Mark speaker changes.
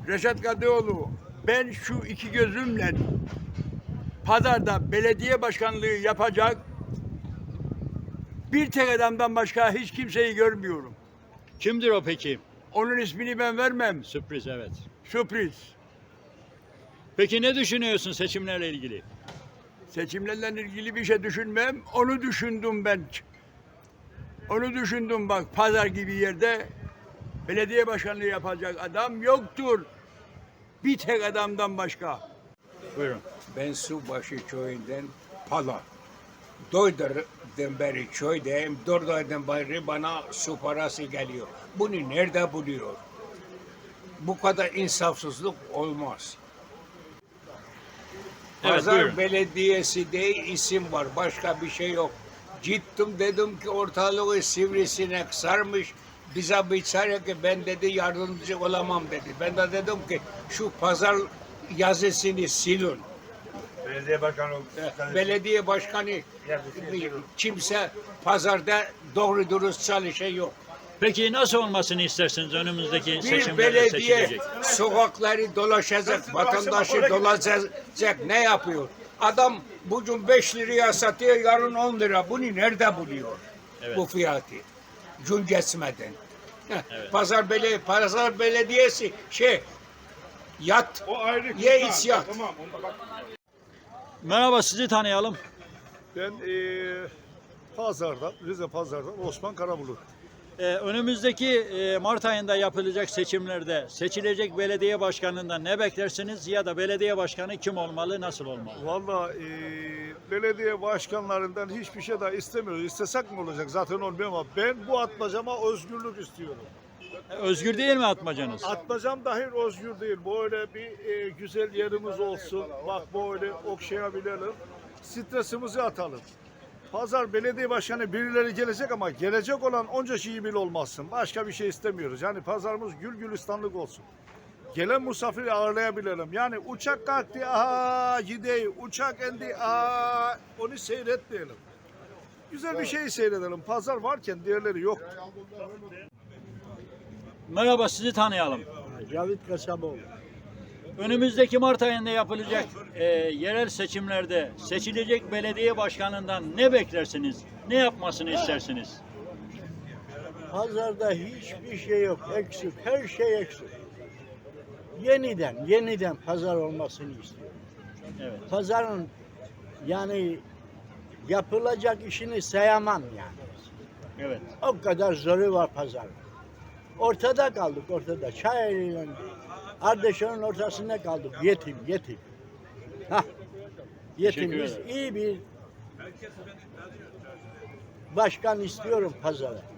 Speaker 1: Reşat Kadıoğlu, ben şu iki gözümle pazarda belediye başkanlığı yapacak bir tek adamdan başka hiç kimseyi görmüyorum.
Speaker 2: Kimdir o peki?
Speaker 1: Onun ismini ben vermem.
Speaker 2: Sürpriz, evet.
Speaker 1: Sürpriz.
Speaker 2: Peki ne düşünüyorsun seçimlerle ilgili?
Speaker 1: Seçimlerle ilgili bir şey düşünmem. Onu düşündüm ben. Onu düşündüm bak, pazar gibi yerde belediye başkanlığı yapacak adam yoktur. Bir tek adamdan başka.
Speaker 2: Buyurun.
Speaker 3: Ben Subaşı köyünden Pala. Doydur'dan beri köydeyim. 4 aydan beri bana su parası geliyor. Bunu nerede buluyor? Bu kadar insafsızlık olmaz.
Speaker 2: Evet,
Speaker 3: Pazar
Speaker 2: buyurun.
Speaker 3: Belediyesi diye isim var. Başka bir şey yok. Gittim dedim ki ortalığı sivrisinek sarmış. Bize biçare ki ben dedi yardımcı olamam dedi. Ben de dedim ki şu pazar yazısını silin. Belediye başkanı kimse pazarda doğru dürüst çalışan yok.
Speaker 2: Peki nasıl olmasını istersiniz önümüzdeki
Speaker 3: Bir
Speaker 2: seçimlerde
Speaker 3: belediye
Speaker 2: seçilecek?
Speaker 3: sokakları dolaşacak, vatandaşı dolaşacak ne yapıyor? Adam bugün 5 liraya satıyor, yarın 10 lira. Bunu nerede buluyor?
Speaker 2: Evet.
Speaker 3: Bu fiyatı. Gün geçmeden.
Speaker 2: Evet.
Speaker 3: Pazar belediyesi yat,
Speaker 4: O ayrı
Speaker 3: ye iç yat.
Speaker 4: Tamam, onda bak.
Speaker 2: Merhaba, sizi tanıyalım.
Speaker 4: Ben Rize Pazar'dan Osman Karabulut.
Speaker 2: Önümüzdeki Mart ayında yapılacak seçimlerde seçilecek belediye başkanından ne beklersiniz ya da belediye başkanı kim olmalı, nasıl olmalı?
Speaker 4: Valla belediye başkanlarından hiçbir şey daha istemiyoruz. İstesek mi olacak? Zaten olmuyor ama ben bu atmacama özgürlük istiyorum.
Speaker 2: Özgür değil mi atmacanız?
Speaker 4: Atmacam dahi özgür değil. Böyle bir güzel yerimiz olsun. Bak böyle okşayabilelim. Stresimizi atalım. Pazar belediye başkanı birileri gelecek ama gelecek olan onca şeyi bile olmazsın. Başka bir şey istemiyoruz. Yani pazarımız gül gülistanlık olsun. Gelen misafiri ağırlayabilelim. Yani uçak kalktı, aha gideyi. Uçak indi, aha onu seyretmeyelim. Güzel bir şey seyredelim. Pazar varken diğerleri yok.
Speaker 2: Merhaba, sizi tanıyalım.
Speaker 5: Cavit Kasaboğlu.
Speaker 2: Önümüzdeki Mart ayında yapılacak yerel seçimlerde seçilecek belediye başkanından ne beklersiniz? Ne yapmasını istersiniz?
Speaker 5: Pazarda hiçbir şey yok. Eksik. Her şey eksik. Yeniden pazar olmasını istiyorum.
Speaker 2: Evet.
Speaker 5: Pazarın yani yapılacak işini sayamam yani.
Speaker 2: Evet.
Speaker 5: O kadar zoru var pazarın. Ortada kaldık ortada. Çayeli'yle Ardeşen'in ortasında kaldık. Yetim. Hah. Yetimiz
Speaker 2: ederim.
Speaker 5: iyi bir başkan istiyorum pazara.